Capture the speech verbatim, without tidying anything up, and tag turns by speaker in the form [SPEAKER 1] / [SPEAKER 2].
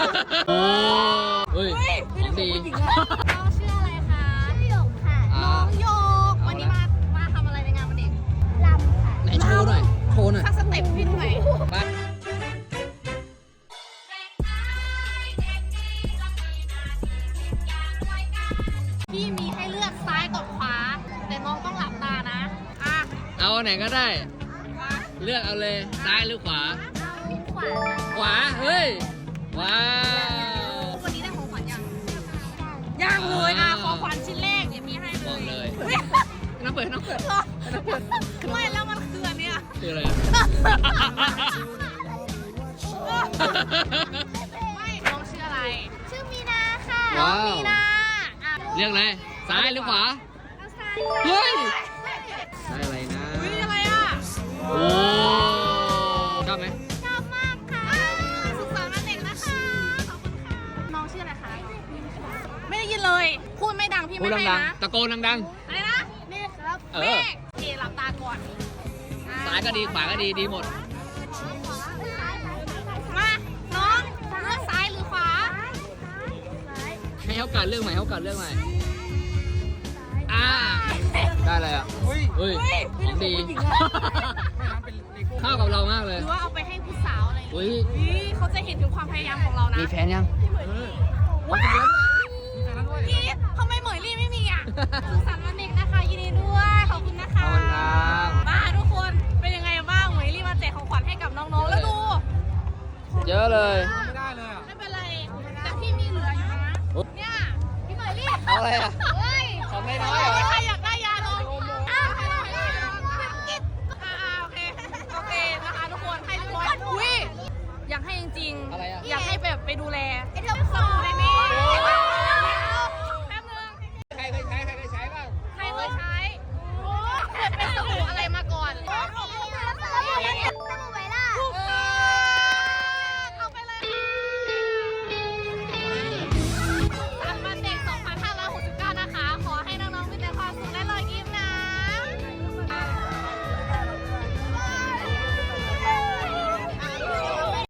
[SPEAKER 1] โอ้เฮ้ยของดี
[SPEAKER 2] น้องชื่ออะไรคะชื่อหยกค่ะน้องหยกวันนี้มามาทำอะไรในงานวันเด็กรำค่ะ
[SPEAKER 1] ไหนโชว์หน่อยโชว์หน่อย
[SPEAKER 2] สักสเต็ปพี่หน่อย
[SPEAKER 1] ไป
[SPEAKER 2] พี่มีให้เลือกซ้ายกับขวาแต่น้องต้องหลับตานะอ่ะ
[SPEAKER 1] เอาไหนก็ได้เลือกเอาเลยซ้ายหรือขวา
[SPEAKER 2] ขวา
[SPEAKER 1] ขวาเฮ้ยว้าว
[SPEAKER 2] วันนี้ได้ของขวัญยังยังเลยอ่ะของขวัญชิ้นแรกเดี๋ยวมีให้เลย
[SPEAKER 1] บอกเลยน้ำเปิดน้ำเปิด
[SPEAKER 2] ไม่แล้วมันคืออันเนี้ย
[SPEAKER 1] คืออะไร
[SPEAKER 2] ไม่น้องชื่ออะไรชื่อมีนาค่ะน้องมีนา
[SPEAKER 1] เลือกเลยซ้ายหรือขวา
[SPEAKER 2] เฮ้ย
[SPEAKER 1] ได้อะไรนะ
[SPEAKER 2] อุ้ยอะไรอ่ะ
[SPEAKER 1] โอ้ชอบไหม
[SPEAKER 2] ชอบมากค่ะสุขสันต์วันเด็กนะคะขอบคุณค่ะน้องชื่ออะไรคะไม่ได้ยินเลยพูดไม่ดังพี่ไม่ให้นะ
[SPEAKER 1] ตะโกนดัง
[SPEAKER 2] ๆอะไรนะเมฆครับเมฆเอ๋หลับตาก่อน
[SPEAKER 1] ซ้ายก็ดีขวาก็ดีดีหมด
[SPEAKER 2] มาน้องเลือกซ้ายหรือขวา
[SPEAKER 1] ให้เขากัดเรื่องใหม่เขากัดเรื่องใหม่อ่าได้เลยอ่ะเฮ้ยของดีเข้ากับเรามากเลย
[SPEAKER 2] หรือว่าเอาไปให้ผู้สาวอะไร
[SPEAKER 1] อุ้ย
[SPEAKER 2] เขาจะเห็นถึงความพยายามของเรานะ
[SPEAKER 1] มีแฟนยัง
[SPEAKER 2] ว้าวพี่ทำไมเหมยลี่ไม่มีอ่ะสุขสันต์วันเด็กนะคะยินดีด้วยขอบคุณนะคะมาทุกคนเป็นยังไงบ้างเหมยลี่มาแจกของขวัญให้กับน้องๆแล้วดู
[SPEAKER 1] เยอะเลย
[SPEAKER 2] ไม่ได้เลยไม่เป็นไรแต่พี่มีเหลืออยู่นะเนี่ยพี่เหมยลี่
[SPEAKER 1] เอาอะไรอ่ะของไม่น้อยเหรอ
[SPEAKER 2] ใครอยากได้ยาลมอ้าวอ่าโอเคโอเคนะคะทุกคนให้ทุกคนอุ้ยอยากให้จริงๆอยากให้แบบไปดูแล